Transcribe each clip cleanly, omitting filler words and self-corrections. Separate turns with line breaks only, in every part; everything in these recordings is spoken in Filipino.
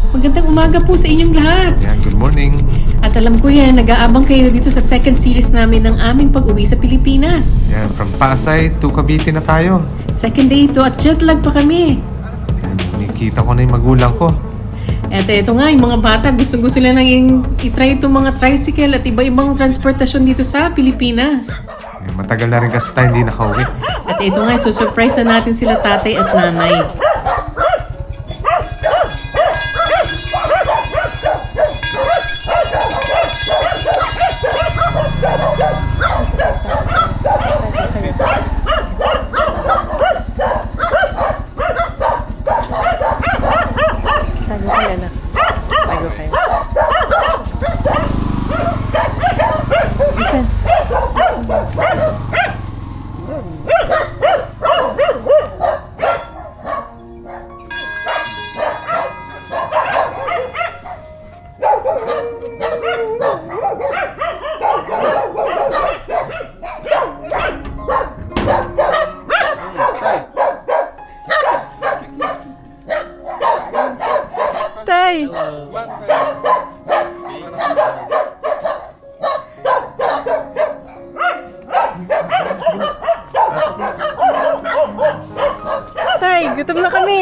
Magandang umaga po sa inyong lahat.
Yan, good morning.
At alam ko yan, nag-aabang kayo dito sa second series namin ng aming pag-uwi sa Pilipinas.
Yan, from Pasay to Cavite na tayo.
Second day ito at jet lag pa kami.
Yan, nakikita ko na yung magulang ko.
At ito nga, yung mga bata, gusto-gusto nila nang i-try itong mga tricycle at iba-ibang transportasyon dito sa Pilipinas.
Yan, matagal na rin kasi tayo hindi nakauwi.
At ito nga, susurprise na natin sila tatay at nanay. Tago kayo na. Tago kayo. Tay! Tay, gutom na kami.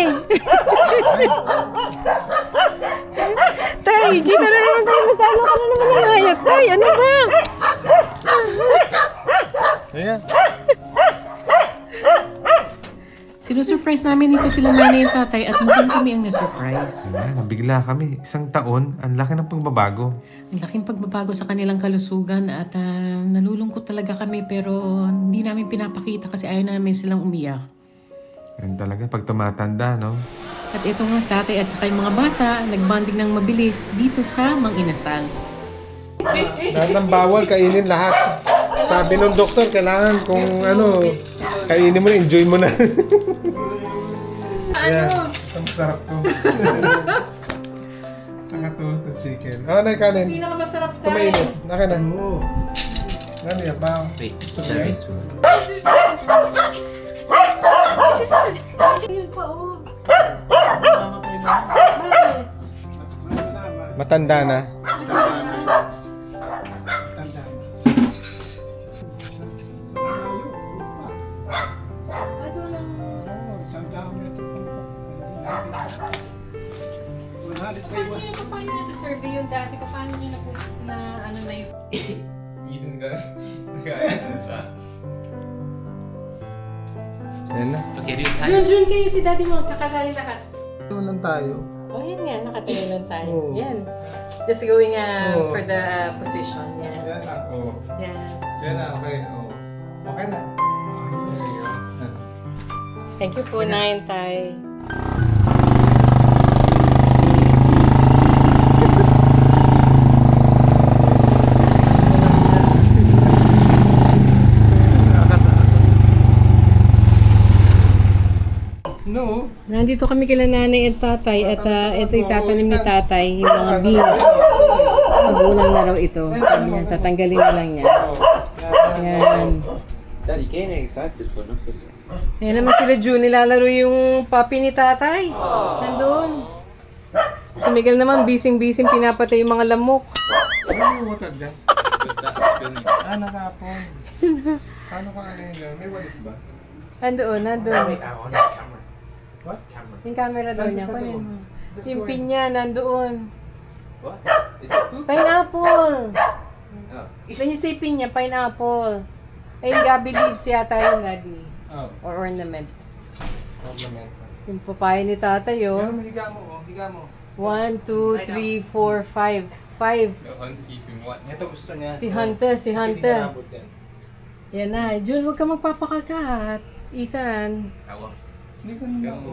Tay, dito na naman tayo masama ka na naman ng hayat. Tay, ano ba?
Ayan.
Sinusurprise namin dito sila nanay at tatay at mukhang kami ang nasurprise.
Ayan, nabigla kami. Isang taon, ang laki ng pagbabago.
Ang laking pagbabago sa kanilang kalusugan at nalulungkot talaga kami pero hindi namin pinapakita kasi ayaw namin silang umiyak.
Yan talaga, pag tumatanda, no?
At ito nga sa tatay at saka yung mga bata, nagbanding ng mabilis dito sa Mang Inasal.
Lahat ng bawal, kainin lahat. Sabi nung doktor, kailangan kung ano, kainin mo na, enjoy mo na. Ano? Ang sarap to. Nakatuto chicken. Oh, na kanin.
Pinakamasarap tayo.
Tumainit. Naka na. Ano yan, baw?
Wait, sorry, spoon.
Yun pa, oh.
Matanda na.
Paano nyo sa survey yung dati? Paano nyo na ano na yung...
Yan na.
Okay, do you time?
Jun kayo si daddy mo, tsaka tayo lahat.
Ito lang tayo.
Oh, yan nga, nakatayo lang tayo.
Oo.
Yan. Just going
Oo.
for the position. Yan.
Yan na. Oo.
Yan.
Yan na. Okay. Oo. Okay na.
Thank you po, Nine Tay.
No.
Nandito kami kila nanay at tatay at ito itatanim ni tatay yung mga beans. Magulang na raw ito. Sabi niya, tatanggalin na lang niya. Yan.
Daddy, kayo na excited for nothing.
Yan naman sila June, nilalaro yung puppy ni tatay. Nandun. Si Miguel naman, bising-bising pinapatay yung mga lamok.
Ano yung water dyan?
Because that's spinning.
Nakapon. Paano ka ano yun? May walis ba?
Nandun.
On camera.
What?
Camera.
Yung camera daw niya. Kunin mo. Yung pin niya, nandoon.
What? Is it poop?
Pineapple!
Oh.
When you say pin niya, pineapple. Ay, yung gabi leaves yata yung daddy.
Oh.
Or ornament.
Compliment.
Yung papaya ni tatay,
Pero
oh.
higa mo, oh. Higa mo.
1, 2, 3, 4, 5. 5.
On keeping what?
Ito gusto niya.
Si Hunter, si
Hindi
Hunter.
niya nabot yan.
Yan na. Jun, huwag ka magpapakagat. Ethan.
Awa.
Hindi ko na ako.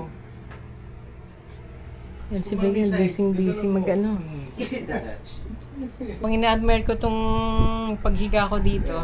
Yan si Miguel, busy mag-ano. Pag ina-admire ko tong paghiga ko dito.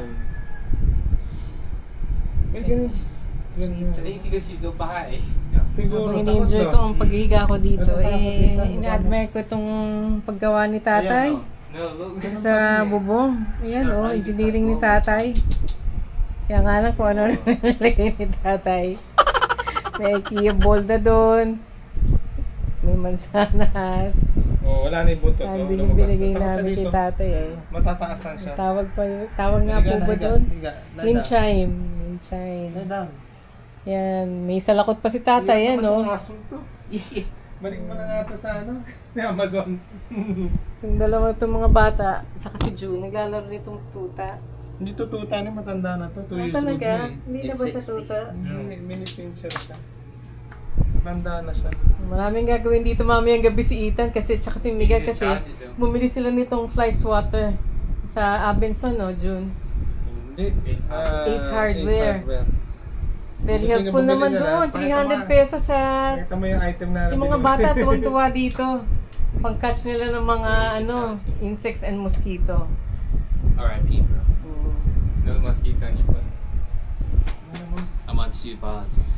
Today because she's so bahay.
Siguro.
Pag ini-enjoy ko ang paghiga ko dito, ina-admire ko tong paggawa ni tatay.
No, look.
Sa bubong. Ayan, oh, engineering ni tatay. Kaya nga lang kung ano nalagay ni tatay. May IKEA bowl na doon. May mansanas.
Oh, wala na yung buntot.
Sabi
Oh,
yung
lumabas.
binigay
Tatakot siya
namin kay
dito.
tatay eh.
Matataasan siya.
Tawag nga po ba doon?
Higa. Lie
Yung
down.
chime. Yung chime.
Lie down.
Yan. May salakot pa si tatay yan, no?
Ang aso to. Balik mo na nga ito sa ano? Ni Amazon.
Yung dalawa itong mga bata, tsaka si June, naglalaro nitong tuta.
Hindi to tuta ni matanda na to. 2 years old
Talaga?
na eh.
Hindi na ba siya tuta?
Mini pincher siya. Matanda na siya.
Maraming gagawin dito mamayang gabi si Ethan kasi tsaka si Miguel kasi bumili sila nitong fly swatter sa Abenson, no, June?
Hindi.
Ace Hardware. Very
Gusto niyo
helpful
bumili
naman
niya
doon.
na? Pakita mo
300 pesos sa...
Nakita mo yung item na
Yung mga
binili.
bata tuwang-tuwa dito. Pang-catch nila ng mga insects and mosquito.
R.I.P. bro. No mosquito on your foot. I'm on Subas.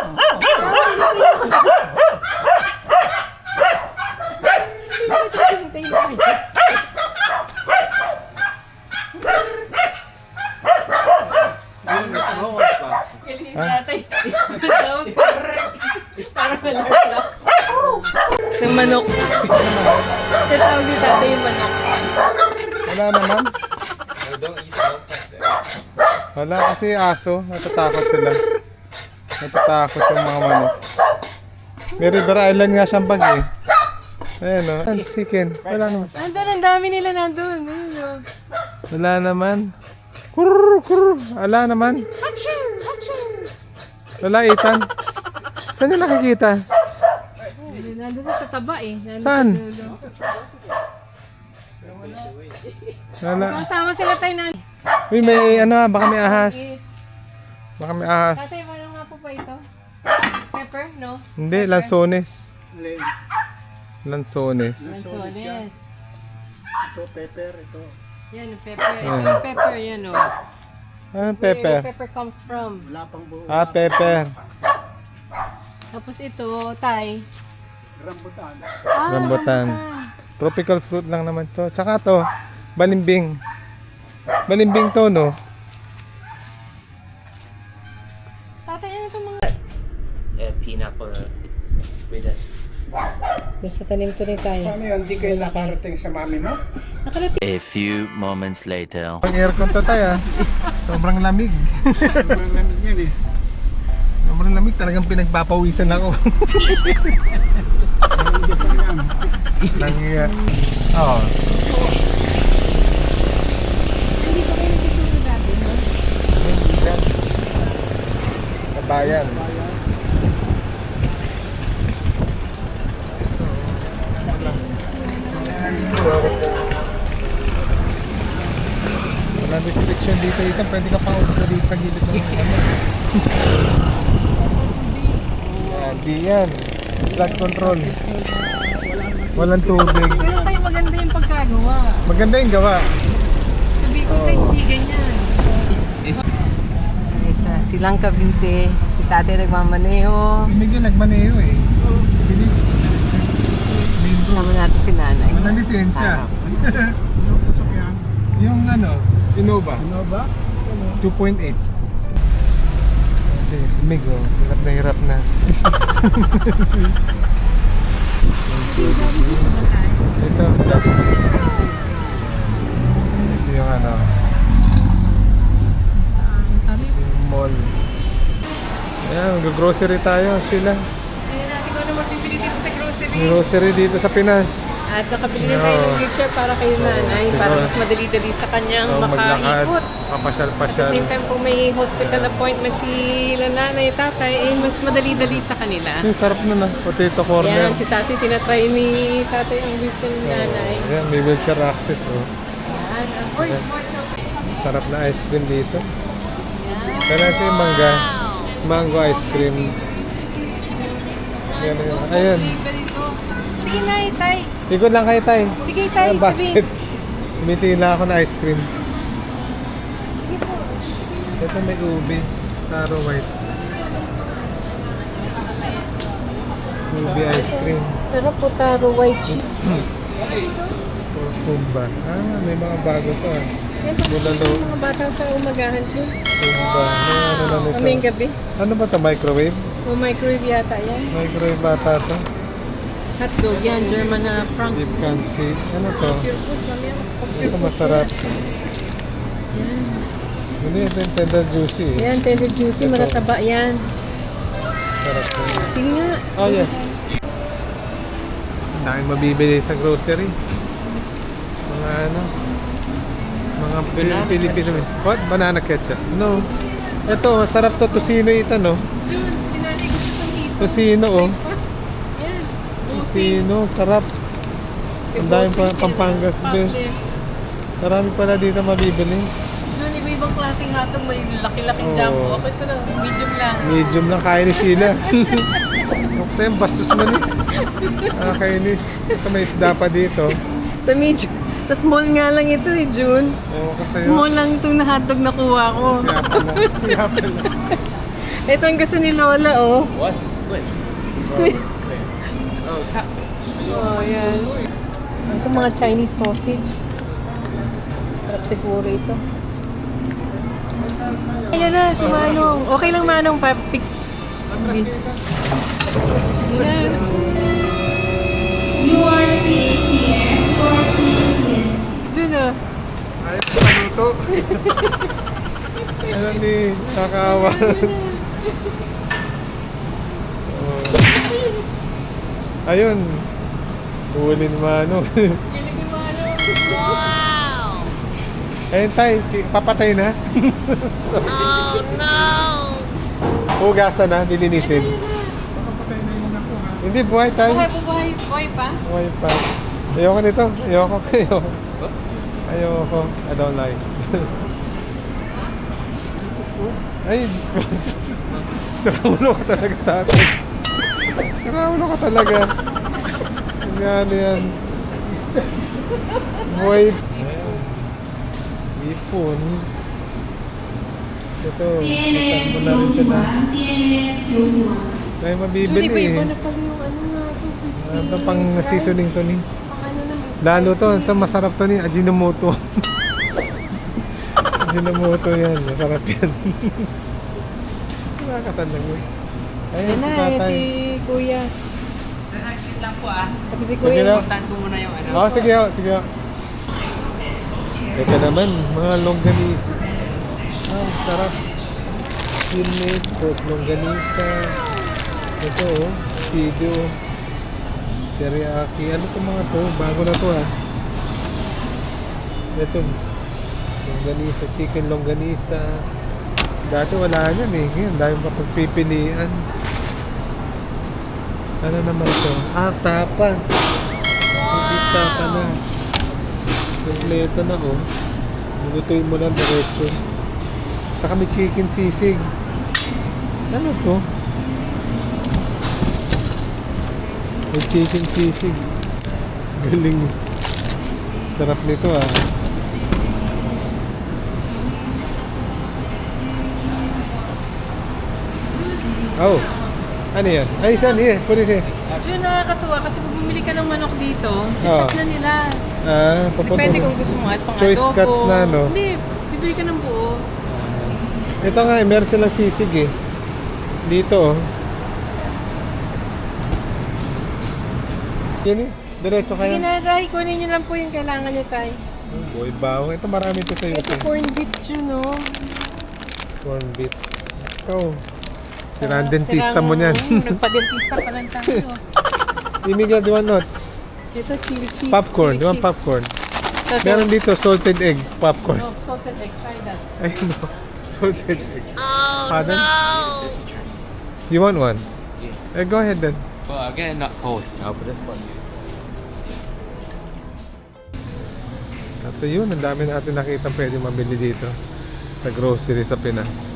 Galing tatay. Tawag ko. Parang malarlak. Yung manok. Tawag ni tatay yung manok.
Wala naman.
No, don't eat the
Wala kasi aso. Natatakot sila. Natatakot yung mga manok. May River Island nga siyang bag eh. Ayan o. Oh. Chicken. Wala naman.
Nandun, ang dami nila nandun. Ayun o.
Wala naman. Kurr, kurr. Wala naman. Wala, Ethan. Saan yung nakikita?
Nandun sa tataba eh. Nandun
Saan?
sa dulo.
Wala.
Kasama sila tayo na.
Uy, may ano, baka may ahas.
Yes.
Baka may ahas.
Tatay, ano nga po ba ito? Pepper? No?
Hindi, lansones. Lansones.
Lanzones.
Ito, pepper, ito.
Yan, yung pepper. Ito yung pepper, yan o.
Ah,
Where
pepper.
yung pepper comes from.
Wala pang buo.
Ah, pepper.
Tapos ito, Tay.
Rambutan.
Rambutan. Tropical fruit lang naman to. Tsaka to, balimbing. Balimbing to, no?
Tatay, ano itong mga...
pineapple with it.
Nasa tanim to rin tayo.
Paano yun? Di kayo nakarating sa mami mo?
Nakarating.
A few moments later.
Ang aircon to tayo, sobrang lamig.
Sobrang lamig yan eh.
Sobrang lamig, talagang pinagpapawisan ako. Nangyayat. Oo.
Hindi pa kayo nagtuturo dati, no?
Sa bayan. Walang restriction dito. Pwede ka pang upo dito sa gilid ng ano. Yan, di yan. Flood control. Walang tubig.
Pero tayo maganda yung pagkagawa.
Maganda yung gawa.
Sabi ko tayo, hindi ganyan. Ay, sa Silang Cavite, si tatay nagmamaneho.
Miguel nagmaneho eh. Bilis.
Kasama natin si nanay.
Walang lisensya.
Anong sasakyan?
Yung ano, Innova.
Ano ba?
2.8. Okay, si Mig, oh. Hirap na. Ito. Ito yung ano. Yung mall. Ayan, mag-grocery tayo, Sheila.
Ayun natin kung ano magbibili dito sa grocery.
Grocery dito sa Pinas.
At nakabili na tayo ng wheelchair para kay nanay.
siguro.
Para mas madali-dali sa kanyang
Oh, maglakad,
makaikot. At the
kapasyal-pasyal.
same time kung may hospital appointment si nanay, tatay, eh mas madali-dali sa kanila.
Yung sarap na na, potato corner.
Yan, si tatay, tinatry ni tatay ang wheelchair ni nanay.
Ayan, may wheelchair access, oh.
Yan, of course,
Sarap na ice cream dito. Kaya si mangga. Mango ice cream. Ayan, ayan. Ayan.
Sige na, tay.
Ikot lang kayo tayo.
Sige, tay,
Ayan, basket.
sabihin.
Tumitingin lang ako na ice cream.
Sige po.
Ito may ubi. Taro white. Ubi ice cream.
Sarap po, taro, white chip.
Kumba. Ah, may mga bago pa.
Yan,
Bulalo.
yung mga bata sa umagahan ko.
Kumba. Ano na nito?
Mamayang gabi.
Ano ba ito? Microwave?
O microwave yata yan.
Microwave bata to.
Hotdog yan, German na Franks.
Beef cancy. Ano to?
Purpose kami.
Ito masarap.
Yan.
Ano yun? Yung tender juicy eh.
Yan, tender juicy,
Ito.
matataba yan.
Sarap to.
Sige nga.
Oh yes. Ang daming mabibili sa grocery. Mga ano? Mga Pilipino. What? Banana ketchup? No. Ito, masarap to. Tocino ito, no?
Jun, sinanay ko siya dito.
Tocino, oh.
Yan.
Tocino, sarap. Ang dami pa Pampangas best. Marami pala dito mabibili.
Jun, iba-ibang klaseng hotdog. May laki-laking
Oo.
jumbo. Ako ito na, medium lang.
Medium lang kaya ni Sheila. Ako sa'yo, bastos mo ni. Nakakainis. Ito may isda pa dito.
Sa medium. Sa small nga lang ito eh, Jun.
Ewan ko sa'yo.
Small lang itong na hotdog na kuha ko.
Kaya pala.
Ito ang gusto ni Lola, oh.
What's it? Squid.
Squid.
Oh, catfish.
Oh, yan. Ito mga Chinese sausage. Sarap siguro ito. Ayan na, si Manong. Okay lang, Manong. Papik. Hindi. Hindi na. Diyan na.
Ayaw ko paluto. Ano ni, nakakawa. Oh. Ayun. Huli ni Manong.
Kilig ni Manong.
Ayun tayo, papatay na. Oh no! Hugasan na, dilinisin. Hindi, buhay tayo.
Buhay, buhay pa?
Buhay pa. Ayoko nito. Ayoko. Ayoko. I don't like. Ay, Diyos ko. Saraulo ka talaga, tatay. Saraulo ka talaga. Yan, yan. Buhay. Ipon. Ito, kasama mo na rin sila. Tayo
Jun,
mabibili
iba-iba
eh.
na pala yung ano nga ito. Crispy.
Ito pang seasoning to ni.
Pang ano naman.
Lalo to, ito masarap to ni Ajinomoto. Ajinomoto yan, masarap yan. Nakakatandang yun. Ayun,
Yan
si
na,
tatay.
si Kuya.
Shoot lang po ah.
Pati si
Sige
Kuya.
na.
Puntahan ko muna yung ano.
Oo, sige ho, sige ho. Ito naman, mga longganisa. Ah, sarap. Chilmes, pork longganisa. Ito oh, sido. Teriyaki. Ano to mga to? Bago na to ah. Ito. Longganisa, chicken longganisa. Dati wala yan eh. Ngayon, dahil mapagpipilian. Ano naman to? Ah, tapa. Hindi tapa na. Kompleto na oh. Lutuin mo lang diretso. Saka may chicken sisig. Ano to? May chicken sisig. Galing. Sarap nito ah. Oh. Ano yan? Ay, it's here. Put it here.
Jun, nakakatuwa kasi pag bumili ka ng manok dito, check na nila.
Ah, papunta.
Depende kung gusto mo at pang
Choice
adobo.
cuts na, no?
Hindi, bibili ka ng buo.
Ito nga, meron silang sisig eh. Dito oh. Yan eh. Diretso
Sige
kayo.
na, Rai, kunin nyo lang po yung kailangan nyo, Tay.
Boy, bawang. Ito marami to sa'yo.
Ito, corn beets, Jun, no?
Corn bits. Ikaw. Si dentista mo niyan.
Nagpa-dentista pa lang tayo.
Imigla, di ba nuts?
Ito, chili cheese.
Popcorn. Di
chili
ba
cheese.
popcorn?
Ito,
Meron dito salted egg popcorn.
No, salted egg, try that.
Ay no. Salted egg. Pardon? You want one?
Yeah.
Eh, go ahead then.
Well, I'll get it not cold. I'll put this one.
At yun, ang dami natin nakita pwede mabili dito sa grocery sa Pinas.